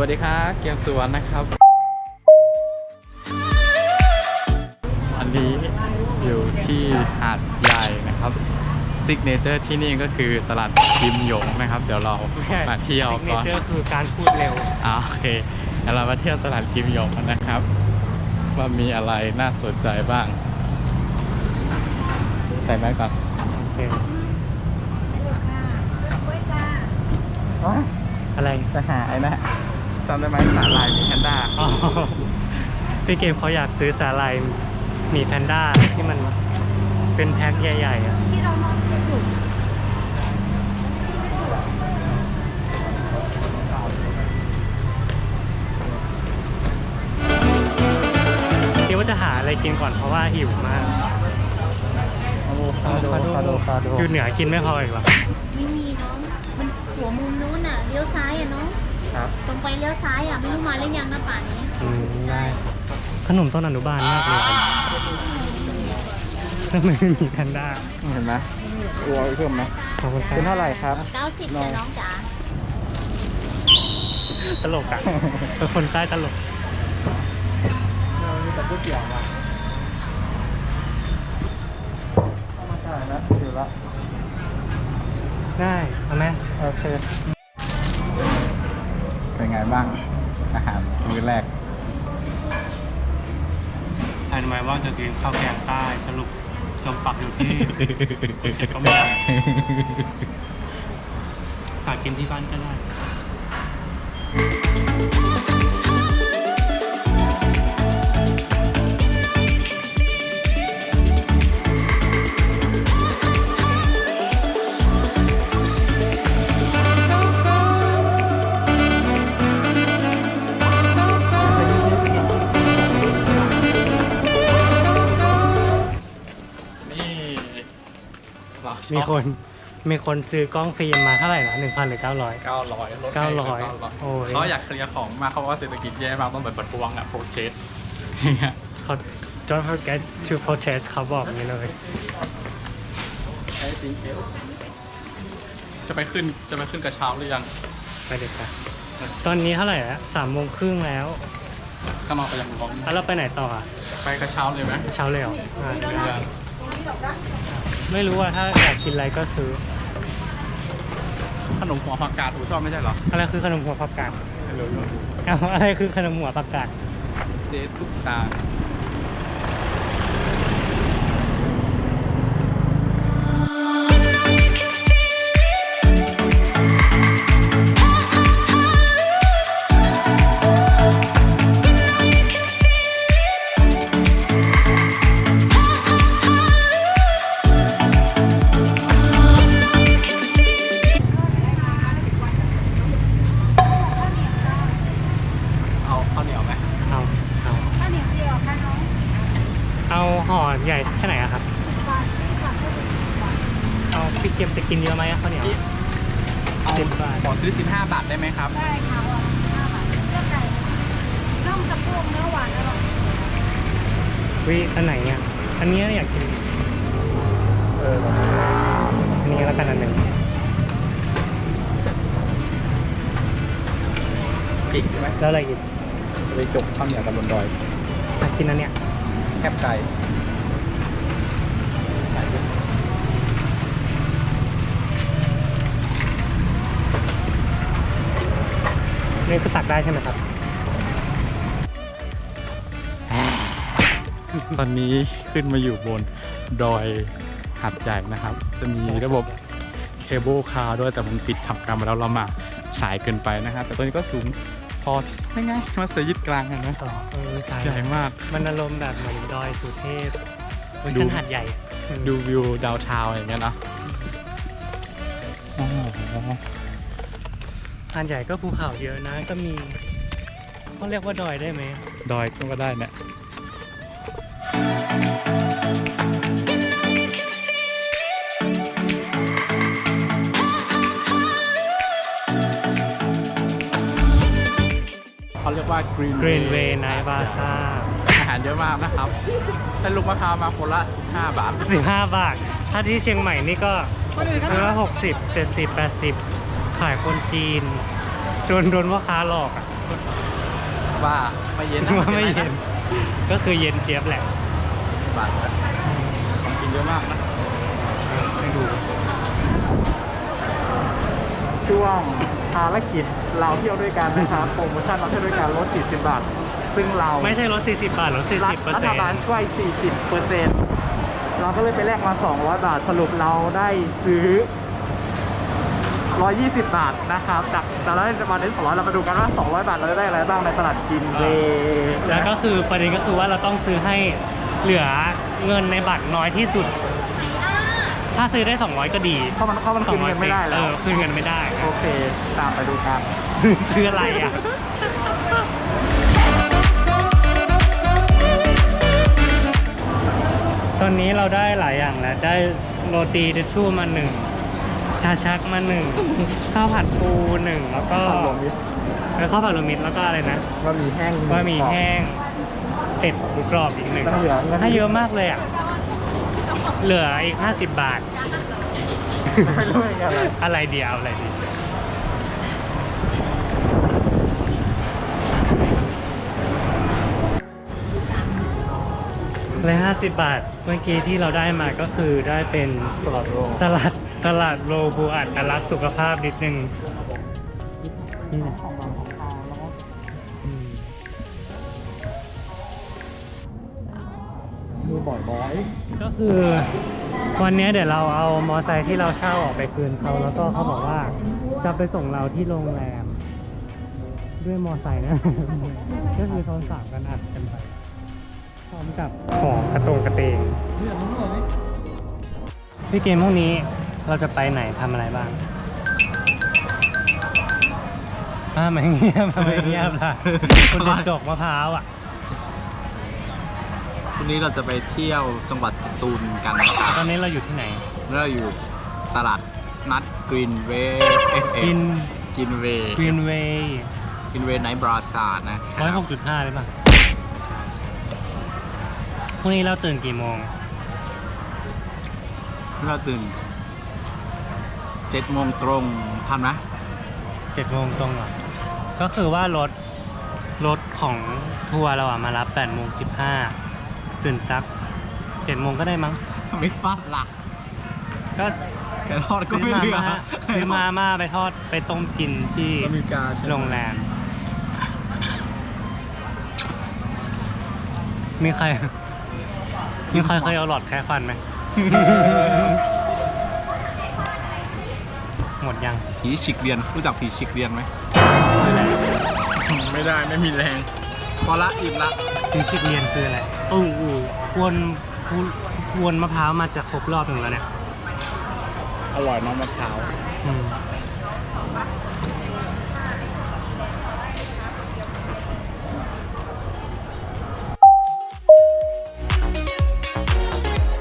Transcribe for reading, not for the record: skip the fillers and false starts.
ดีครับเกมสวนนะครับอันนี้อยู่ที่หาดใหญ่นะครับซิกเนเจอร์ที่นี่ก็คือตลาดกิมหยงนะครับเดี๋ยวเรามาเที่ยวก่อนซิกเนเจอร์คือการพูดเร็วโอเคเดี๋ยวเรามาเที่ยวตลาดกิมหยงกันนะครับว่ามีอะไรน่าสนใจบ้างใส่แมสก่อนโอเคอ๋ออะไรจะหาไอ้นะจำได้ไหมสาลายมีแพนด้าอ๋อพี่เกมเขาอยากซื้อสาหร่ายหมีแพนด้าที่มันเป็นแพ็คใหญ่ๆอ่ะที่เรานอนอยู่คิดว่าจะหาอะไรกินก่อนเพราะว่าหิวมากคาโดอยู่เหนือกินไม่พออีกหรอไม่มีน้องมันหัวมุมนู้นอ่ะเลี้ยวซ้ายอ่ะน้องครับตรงไปเลี้ยวซ้ายอ่ะไม่รู้มาหรือยังนะป่านนี้ได้ขนมต้นอนุบาลมากเลยทำไมไม่มีแพนด้าเห็นไหมตัวเพิ่มไหมขอบคุณครับเป็นเท่าไหร่ครับ 90จ้ะน้องจ๋าตลกอ่ะเป็นคนใต้ตลกมีแต่ก๋วยเตี๋ยวว่ะมาจ่ายนะอยู่ละได้เอาไหมโอเคเป็นไงบ้างอาหารมื้อแรกอันหมายว่าจะกินข้าวแกงใต้สรุปจมปักอยู่ที่ก็ไม่ได้หากินที่บ้านก็ได้มีคนซื้อกล้องฟิล์มมาเท่าไหร่นะ 1,000 หรือ 900 900 โอ้ยเขาอยากเคลียร์ของมาเขาว่าเศรษฐกิจแย่มากต้องแบบประท้วงอะโปรเทสเขา don't forget to protest เขาบอกอย่างนี้เลยจะไปขึ้นกระเช้าหรือยังไปเด็กค่ะตอนนี้เท่าไหร่แล้ว3:30แล้วข้างนอกไปยังร้อนแล้วเราไปไหนต่ออ่ะไปกระเช้าเลยไหมกระเช้าเลยเหรอไม่รู้ว่าถ้าอยากกินอะไรก็ซื้อขนมหัวผักกาดชอบไม่ใช่เหรออะไรคือขนมหัวผักกาดไม่รู้อะไรคือขนมหัวผักกาดเจ๊ตุ๊กตาเอาห่อใหญ่แค่ไหนอะครับเอาพี่เกมจะกินเยอะไหมข้าวเหนียวเอาขอซื้อ15 บาทได้ไหมครับได้ค่ะ15 บาทเลือกไก่น่องสะโพกเนื้อหวานอร่อยอันไหนเนี่ยอันนี้อยากกินอันนี้แล้วกันอันหนึ่งปีกใช่ไหมแล้วอะไรอีกไปจกข้าวเหนียวกับบนดอยอยากกินอันเนี้ยแคบไก่นี่คือตักได้ใช่ไหมครับตอนนี้ขึ้นมาอยู่บนดอยหาดใหญ่นะครับจะมีระบบเคเบิลคาร์ด้วยแต่มันปิดทำการมาแล้วเรามาสายเกินไปนะครับแต่ตัวนี้ก็สูงพอไม่ไงมาเสียยึดกลางเห็นไหมใหญ่มากมันอารมณ์แบบเหมือนดอยสุเทพเวอร์ชันหาดใหญ่ดูวิวดาวทาวน์อย่างเงี้ยนะหาดใหญ่ก็ภูเขาเยอะนะก็มีเขาเรียกว่าดอยได้ไหมดอยก็ได้เนี่ยเขาเรียกว่า Greenway Night Bazaar อาหารเยอะมากนะครับแต่ลูกมะพร้าวมาคนละ5 บาท 15 บาทถ้าที่เชียงใหม่นี่ก็คนละ60 70 80ขายคนจีนโดนว่าค้าหลอกอ่ะว่าไม่เย็นนะว่าไม่เย็น ก็คือเย็นเจี๊ยบแหละบาทนะของกินเยอะมากนะให้ดูช่วงภารกิจเราเที่ยวด้วยกันนะครับโปรโมชั่นเราเที่ยวด้วยกันลด40 บาท ซึ่งเราไม่ใช่ลด40 บาทลด 40% รัฐบาลช่วย 40%เราก็เลยไปแลกมา 200 บาท สรุปเราได้ซื้อ 120 บาทนะครับจากตลาดรัฐบาลได้200เรามาดูกันว่า 200 บาทเราจะได้อะไรบ้างในตลาดกินเวแล้วก็คือประเด็นก็คือว่าเราต้องซื้อให้เหลือเงินในบัตรน้อยที่สุด ถ้าซื้อได้ 200 ก็ดีเพราะมันคืนเงินไม่ได้แล้วคืนเงินไม่ได้โอเค ตามไปดูกันซื้ออะไรอ่ะ ตอนนี้เราได้หลายอย่างแล้ว ได้โรตีเดชูมา1 ชาชักมา1 ข้าวผัดปู1 แล้วก็ข้าวผัดรวมมิตรข้าวผัดรวมมิตรแล้วก็อะไรนะบะหมี่แห้งบะหมี่แห้งเป็ดหมูกรอบอีกแล้วก็เหลือ 1ให้เยอะมากเลยอ่ะ เหลืออีก50 บาทไม่รู้เหมือนกันเลยอะไรเดียวอะไรดีเลย50 บาท เมื่อกี้ที่เราได้มาก็คือได้เป็นตลอดโลกสลัดโลบูอัดรักสุขภาพนิดนึงนี่นะของเราของเราแล้วก็อืมมือบ่อยก็คือวันนี้เดี๋ยวเราเอามอไซค์ที่เราเช่าออกไปคืนเขาแล้วก็เขาบอกว่าจะไปส่งเราที่โรงแรม ด้วยมอไซค์นะ ก็คือโทรศัพท์กันอัดกันไปพร้อมกับของกระตงกระเตงเรื่องนี้เลยพี่เกมพวกนี้เราจะไปไหนทำอะไรบ้างไม่เงียบไม่เงียบล่ะคุณจะจกมะพร้าวอ่ะวันนี้เราจะไปเที่ยวจังหวัดสตูลกันนะครับตอนนี้เราอยู่ที่ไหนแล้วเราอยู่ตลาดนัดกรีนเวย์กินกินเวย์กรีนเวย์กินเวย์ไนท์บราซาร์นะค 106.5เลยป่ะพรุ่งนี้เราตื่นกี่โมงเราตื่น7 โมงตรงทันไหม 7 โมงตรงเหรอก็คือว่ารถของทัวร์เราอ่ะมารับ8 โมง 15ตื่นสัก7 โมงก็ได้มั้งไม่ฟาดหลักก็แกทอดก็ซื้อไม่มาเหลือม่าซื้อมาม่าไปทอดไปต้มกินที่อเมริกาใช่ไหมโรงแรม มีใครเคยเอาหลอดแค่ฟันไหม หมดยังผีฉิกเรียนรู้จักผีฉิกเรียนไหมไม่ได้ไม่มีแรง พอละอิ่มละถึงชิกเรียนคืออะไรกวนมะพร้าวมาจะครบรอบหนึ่งแล้วเนี่ยอร่อยน้ำมะพร้าวอืม